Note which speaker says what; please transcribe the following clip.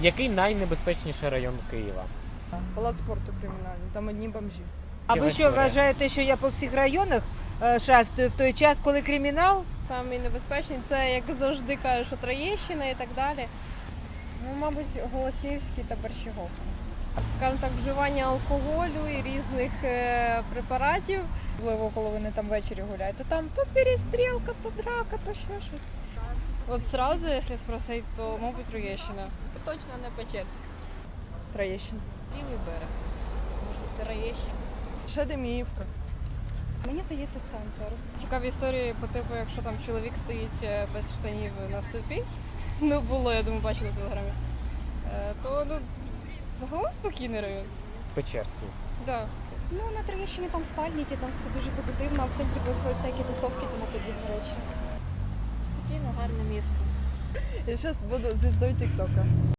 Speaker 1: Який найнебезпечніший район Києва?
Speaker 2: Палац спорту кримінальний, там одні бомжі.
Speaker 3: А ви що вважаєте, що я по всіх районах шастаю в той час, коли кримінал?
Speaker 4: Самий небезпечний це, як завжди кажуть, що Троєщина і так далі.
Speaker 2: Ну, мабуть, Голосіївський та Борщаговка.
Speaker 4: Скажімо так, вживання алкоголю і різних препаратів.
Speaker 2: Можливо, коли вони там ввечері гуляють, то там то перестрілка, то драка, то ще щось.
Speaker 5: От зразу, якщо спросити, то, мабуть, Троєщина.
Speaker 4: Точно не Печерськ.
Speaker 2: Троєщина.
Speaker 4: Лівий берег. Може, Троєщина.
Speaker 2: Ще Деміївка.
Speaker 5: Мені здається, центр. Цікаві історії по типу, якщо там чоловік стоїть без штанів на стовпі, ну було, я думаю, бачила в телеграмі, то загалом спокійний район.
Speaker 1: Печерський.
Speaker 5: Да.
Speaker 6: Ну, на Троєщині там спальники, там все дуже позитивно, а в центрі происходять всякі тусовки, тому подібні речі.
Speaker 4: Спокійно, гарне місто.
Speaker 2: Я зараз буду звіздою Тіктока.